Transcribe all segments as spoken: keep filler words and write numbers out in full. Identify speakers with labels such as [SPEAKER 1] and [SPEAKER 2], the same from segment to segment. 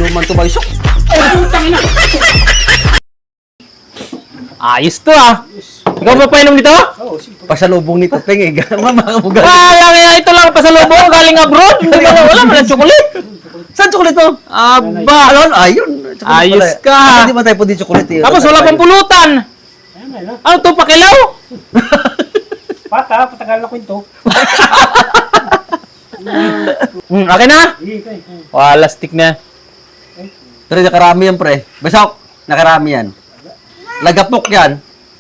[SPEAKER 1] inuman to, Baysok.
[SPEAKER 2] Ayos to ah. Ikaw ba painom nito?
[SPEAKER 1] Pasalubong nito, Peng, eh. Mamakamugal.
[SPEAKER 2] Wala nga, ito lang pasalubong galing abroad. Hindi ba wala man ang chocolate?
[SPEAKER 1] Saan chocolate to?
[SPEAKER 2] Aba.
[SPEAKER 1] Alon, ayun. Chocolate
[SPEAKER 2] Ayos
[SPEAKER 1] pala.
[SPEAKER 2] ka.
[SPEAKER 1] Kasi Hindi ba tayo pwede chocolate, eh.
[SPEAKER 2] Tapos wala pang pulutan. Ano to, pakilaw?
[SPEAKER 3] Pata, patagal na ko ito.
[SPEAKER 2] Hmm, okay na? Wala, stick na.
[SPEAKER 1] Pero nakarami yan, pre. Baysok, nakarami yan. Lagapok yan.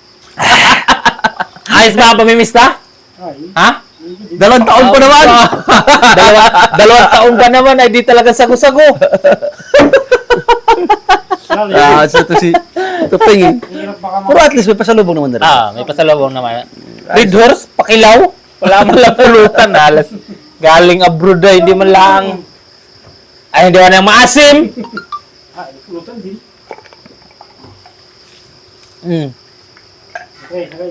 [SPEAKER 2] Ayos ba ang pamimista? Ha?
[SPEAKER 1] Dalawang taon pa naman.
[SPEAKER 2] Dalawa, dalawang taon ka naman ay di talaga sago-sago.
[SPEAKER 1] Ah, so ito si ito Peng, eh. Pero at least may pasalubong naman na rin.
[SPEAKER 2] Ah, may pasalubong naman. Red horse, pakilaw. Wala man lang pulutan. Alas. Galing abroad ay hindi man lang. Ay, hindi man lang maasim.
[SPEAKER 3] Ah, pulutan din.
[SPEAKER 2] Hmm.
[SPEAKER 3] Okay, okay.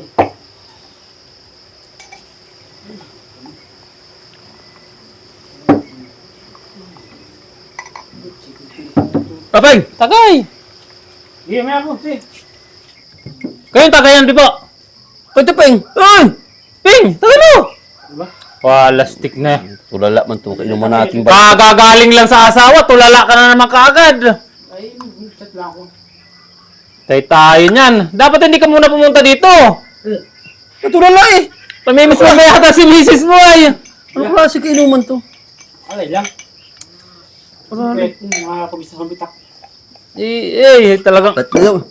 [SPEAKER 1] Papeng!
[SPEAKER 2] Tagay.
[SPEAKER 3] Iya, may ako. Si.
[SPEAKER 2] Kayong tagayan, di ba?
[SPEAKER 1] Ito Peng! Ay!
[SPEAKER 2] Ping, tagay mo.
[SPEAKER 3] Diba?
[SPEAKER 2] Wala, stick na.
[SPEAKER 1] Tulala man to, kainuman natin ba?
[SPEAKER 2] Kagagaling lang sa asawa, tulala ka na naman kaagad.
[SPEAKER 3] Ay, chat lang ako.
[SPEAKER 2] Tay tayo niyan. Dapat hindi ka muna pumunta dito.
[SPEAKER 1] Tulala eh!
[SPEAKER 2] Pamimiss mo ba yata si misis mo ay.
[SPEAKER 1] Ano klase kainuman to?
[SPEAKER 3] Alay lang. Okay, mga pabisa sa bitak.
[SPEAKER 2] Eh, eh talagang,
[SPEAKER 1] Ba't na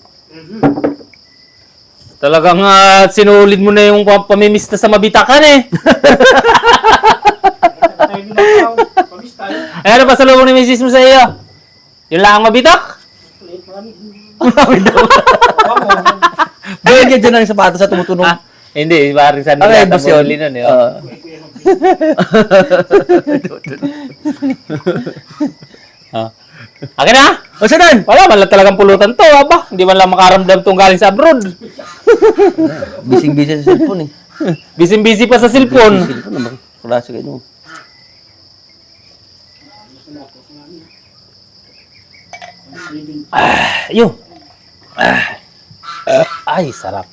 [SPEAKER 2] talagang ah, sinulid mo na yung pa- pamimiss na sa mabitakan eh.
[SPEAKER 3] Tayo din ako. Pabis tayo.
[SPEAKER 2] Ay, ano pa sa loob ni misis mo sa iyo? Yun lang ang mabitak?
[SPEAKER 3] Ulit, marami.
[SPEAKER 1] Bigyan ka dyan ng sapatos sa tumutunog.
[SPEAKER 2] Ah, hindi, parang sa
[SPEAKER 1] Okay,
[SPEAKER 2] nila
[SPEAKER 1] boss yun.
[SPEAKER 2] tabuli nun eh.
[SPEAKER 1] Ah.
[SPEAKER 2] Ah. Akin na?
[SPEAKER 1] O saan?
[SPEAKER 2] Wala, man lang talagang pulutan to, aba. Hindi man lang makaramdam tong galing sa abroad.
[SPEAKER 1] Bising-busy sa cellphone eh.
[SPEAKER 2] Busy-busy pa sa cellphone.
[SPEAKER 1] Cellphone naman. Klase kayo.
[SPEAKER 2] Ayun. Ah. Ay, sarap.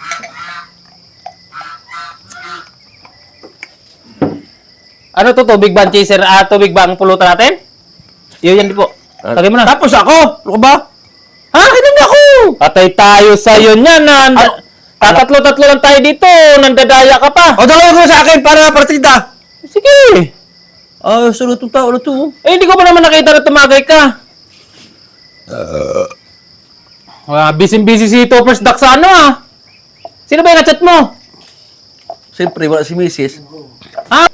[SPEAKER 2] Ano to, tubig ba ang chaser? Ah, tubig ba ang pulutan natin? Yun yan di po. Tagay mo na.
[SPEAKER 1] Tapos ako! Ano ka ba?
[SPEAKER 2] Ha? Inom na ako! Atay tayo sa'yo niyan. Na,
[SPEAKER 1] Ah.
[SPEAKER 2] tatatlo-tatlo lang tayo dito. Nandadaya ka pa.
[SPEAKER 1] O, dalawa ko sa akin para partida.
[SPEAKER 2] Sige.
[SPEAKER 1] Ah, sunod itong tao na to.
[SPEAKER 2] Eh, hindi ko pa naman nakita na tumagay ka. Uh, busy-busy si Toppers Duck sa ano ah. Sino ba yung chat mo?
[SPEAKER 1] Siyempre, wala si Missus
[SPEAKER 2] Ha?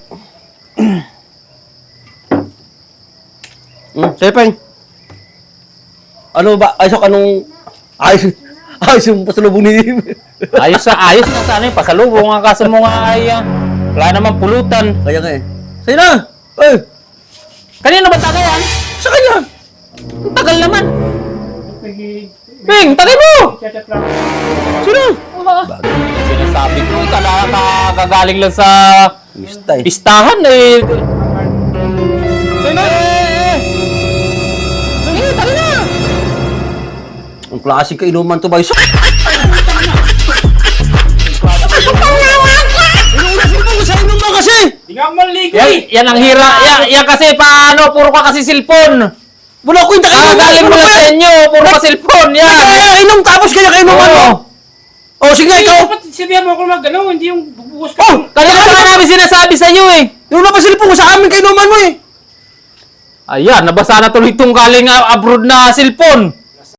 [SPEAKER 1] Hmm, sige, Peng. Ano ba? Ayos ako anong... Ayos... Ayos yung pasalubong ni...
[SPEAKER 2] Ayos sa ayos na sa ano yung pasalubong. Ang kaso mo nga ay ah, wala naman pulutan.
[SPEAKER 1] Kaya nga eh. Sige na! Eh!
[SPEAKER 2] Kanina ba tagayan?
[SPEAKER 1] Sa kanya!
[SPEAKER 2] Ang tagal naman.
[SPEAKER 3] Pagi,
[SPEAKER 2] Ping, tagay mo!
[SPEAKER 3] chat lang.
[SPEAKER 1] Sino?
[SPEAKER 2] Sinasabi ko, kagagaling lang sa
[SPEAKER 1] Mistay.
[SPEAKER 2] pistahan eh. Sige na! Sige, tagay na!
[SPEAKER 1] Ang klaseng kainuman to, Baysok. Inuunasin mo sa inuman kasi!
[SPEAKER 3] Di nga ako maligo
[SPEAKER 2] Yan,
[SPEAKER 3] eh.
[SPEAKER 2] yan ang hira. Yan, yan kasi paano, puro ka kasi cellphone.
[SPEAKER 1] Wala ko yung takainuman.
[SPEAKER 2] Kagagaling mo lang sa inyo, puro ka cellphone. Yan.
[SPEAKER 1] Kaya inom tapos kaya kainuman mo. O, sige
[SPEAKER 3] Hindi,
[SPEAKER 1] ikaw.
[SPEAKER 3] dapat sabihan mo ako mag ano, hindi yung bubuhos ka.
[SPEAKER 1] Oh!
[SPEAKER 2] Kanina pa nga namin sinasabi sa iyo eh.
[SPEAKER 1] Yung napasilpo ko sa amin kainuman mo eh.
[SPEAKER 2] Ayan, nabasa na tuloy itong galing ah, abroad na cellphone.